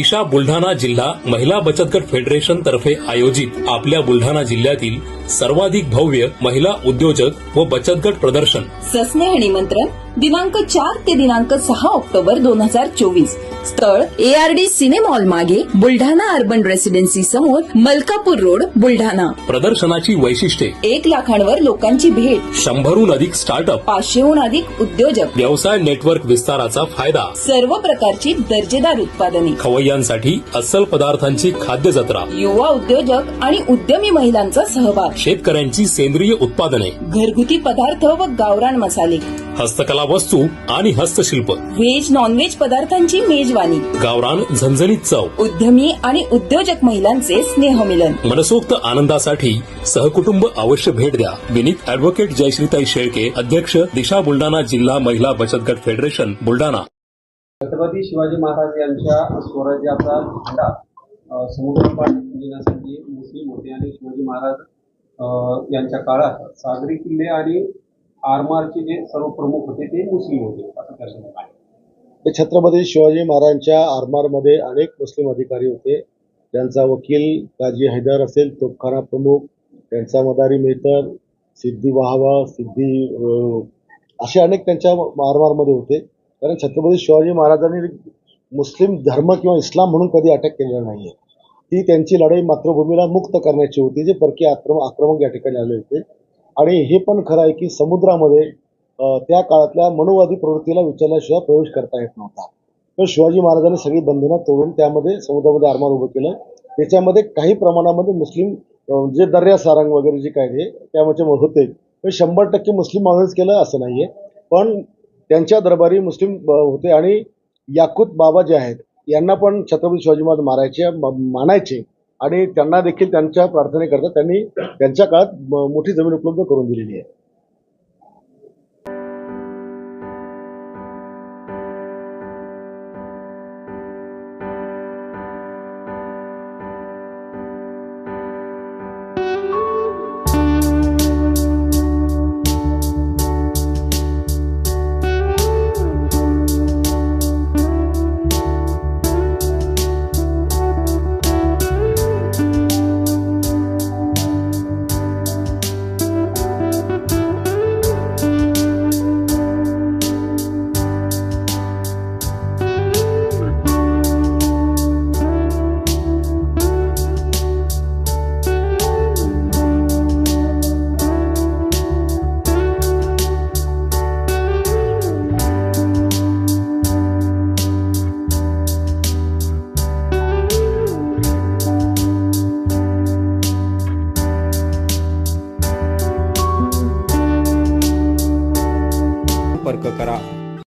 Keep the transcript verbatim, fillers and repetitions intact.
दिशा बुलढाणा जिल्हा महिला बचत गट फेडरेशन तर्फे आयोजित आपल्या बुलढाणा जिल्ह्यातील सर्वाधिक भव्य महिला उद्योजक व बचत गट प्रदर्शन सस्नेह निमंत्रण दिनांक चार ते दिनांक सहा ऑक्टोबर दोन हजार चोवीस. स्थळ एआरडी सिनेमा हॉल मागे बुलढाणा अर्बन रेसिडेन्सी समोर मलकापूर रोड बुलढाणा. प्रदर्शनाची वैशिष्ट्ये: एक लाखांवर लोकांची भेट, शंभरहून अधिक स्टार्टअप, पाचशेहून अधिक उद्योजक, व्यवसाय नेटवर्क विस्ताराचा फायदा, सर्व प्रकारची दर्जेदार उत्पादने, खवय्यांसाठी अस्सल पदार्थांची खाद्य जत्रा, युवा उद्योजक आणि उद्यमी महिलांचा सहभाग, शेतकऱ्यांची सेंद्रिय उत्पादने, घरगुती पदार्थ व गावरान मसाले, हस्तकला वस्तू आणि हस्तशिल्प, व्हेज नॉनव्हेज पदार्थांची मेजवानी, गावरान झणझणीत चव, उद्यमी आणि उद्योजक महिलांचे स्नेहमिलन. मनसोक्त आनंदासाठी सहकुटुंब अवश्य भेट द्या. विनीत अॅडव्होकेट जयश्रीताई शेळके, अध्यक्ष दिशा बुलढाणा जिल्हा महिला बचत गट फेडरेशन बुलढाणा. छत्रपती शिवाजी महाराज यांच्या स्वराज्याचा झेंडा समुद्रपाठ घेण्यासाठी मुस्लिम होते आणि शिवाजी महाराज यांच्या काळात सागरी किल्ले आणि आरमारचे जे सर्व प्रमुख होते ते मुस्लिम होते असं त्याचं म्हणणं आहे. छत्रपती शिवाजी महाराजांच्या आरमारमध्ये अनेक मुस्लिम अधिकारी होते. त्यांचा वकील काजी हैदर असेल, तोफखाना प्रमुख, त्यांचा मदारी मेहतर, सिद्धी वाहवा, सिद्धी असे अनेक त्यांच्या आरमारमध्ये होते. कारण छत्रपती शिवाजी महाराजांनी मुस्लिम धर्म किंवा इस्लाम म्हणून कधी अटक केलेला नाहीये. ती त्यांची लढाई मातृभूमीला मुक्त करण्याची होती, जे परकीय आक्रमक आक्रमक या ठिकाणी आले होते. आणि हे पण खरं आहे की समुद्रामध्ये त्या काळातल्या मनोवादी प्रवृत्तीला विचारल्याशिवाय प्रवेश करता येत नव्हता. तर शिवाजी महाराजांनी सगळी बंधनं तोडून त्यामध्ये समुद्रामध्ये आरमार उभं केलं. त्याच्यामध्ये काही प्रमाणामध्ये मुस्लिम जे दर्या सारंग वगैरे जे काय ते त्यामध्ये होते, पण शंभर टक्के मुस्लिम माणूस केलं असं नाहीये. पण त्यांच्या दरबारी मुस्लिम होते आणि याकूत बाबा जे आहेत यांना पण छत्रपती शिवाजी महाराज मारायचे मानायचे आणि त्यांना देखील त्यांच्या प्रार्थनेकरता त्यांनी त्यांच्या काळात मोठी जमीन उपलब्ध करून दिलेली आहे. संपर्क करा.